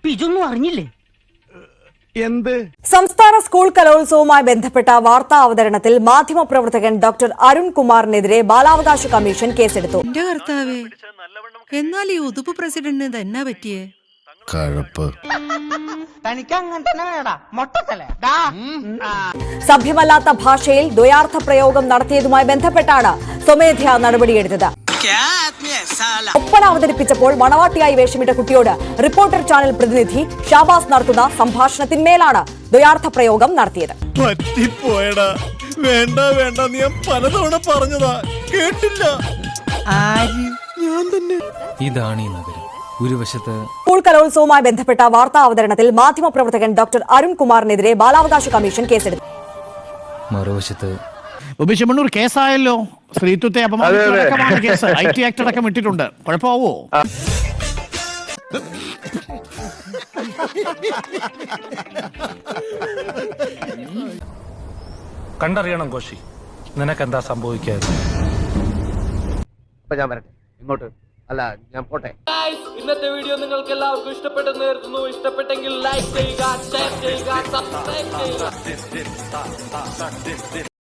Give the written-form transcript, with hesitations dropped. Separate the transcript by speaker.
Speaker 1: അപ്പൊ ഇതൊന്നും അറിഞ്ഞില്ലേ?
Speaker 2: എന്ത്?
Speaker 3: സംസ്ഥാന സ്കൂൾ കലോത്സവവുമായി ബന്ധപ്പെട്ട വാർത്താ അവതരണത്തിൽ മാധ്യമപ്രവർത്തകൻ ഡോക്ടർ അരുൺ കുമാറിനെതിരെ ബാലാവകാശ കമ്മീഷൻ കേസെടുത്തു.
Speaker 4: എന്റെ കർത്താവേ, എന്നാൽ ഈ ഉതുപ്പ് പ്രസിഡന്റിന് തന്നെ പറ്റിയേ
Speaker 3: സഭ്യമല്ലാത്ത ഭാഷയിൽ ദ്വയാർത്ഥ പ്രയോഗം നടത്തിയതുമായി ബന്ധപ്പെട്ടാണ് സ്വമേധയാ നടപടിയെടുത്തത്. ഒപ്പന അവതരിപ്പിച്ചപ്പോൾ മണവാട്ടിയായി വേഷമിട്ട കുട്ടിയോട് റിപ്പോർട്ടർ ചാനൽ പ്രതിനിധി ഷാബാസ് നടത്തുന്ന സംഭാഷണത്തിന്മേലാണ് ദ്വയാർത്ഥ പ്രയോഗം നടത്തിയത്.
Speaker 2: പറ്റിപ്പോയടാ. വേണ്ട വേണ്ട, ഞാൻ പലതവണ പറഞ്ഞതാ, കേട്ടില്ല. ഞാൻ തന്നെ.
Speaker 5: ഇതാണ് ഈ നഗരം. ഒരു വശത്ത്
Speaker 3: സ്കൂൾ കലോത്സവവുമായി ബന്ധപ്പെട്ട വാർത്താ അവതരണത്തിൽ മാധ്യമപ്രവർത്തകൻ ഡോക്ടർ അരുൺ കുമാറിനെതിരെ ബാലാവകാശ കമ്മീഷൻ കേസെടുത്തു.
Speaker 5: മറുവശത്ത്
Speaker 2: ചെമ്മണ്ണൂർ കേസായല്ലോ. സ്ത്രീത്വത്തെ അപമാനിച്ചടക്കമാണ് കേസ്. IT ആക്ട് അടക്കം ഇട്ടിട്ടുണ്ട്. കുഴപ്പമാവോ?
Speaker 6: കണ്ടറിയണം കോശി, നിനക്കെന്താ സംഭവിക്കാതെ.
Speaker 7: ഞാൻ വരട്ടെ ഇങ്ങോട്ട്. അല്ല, ഞാൻ പോട്ടെ.
Speaker 8: ഇന്നത്തെ വീഡിയോ നിങ്ങൾക്ക് എല്ലാവർക്കും ഇഷ്ടപ്പെട്ടെന്ന് കരുതുന്നു. ഇഷ്ടപ്പെട്ടെങ്കിൽ ലൈക്ക് ചെയ്യുക, ഷെയർ ചെയ്യുക, സബ്സ്ക്രൈബ് ചെയ്യുക.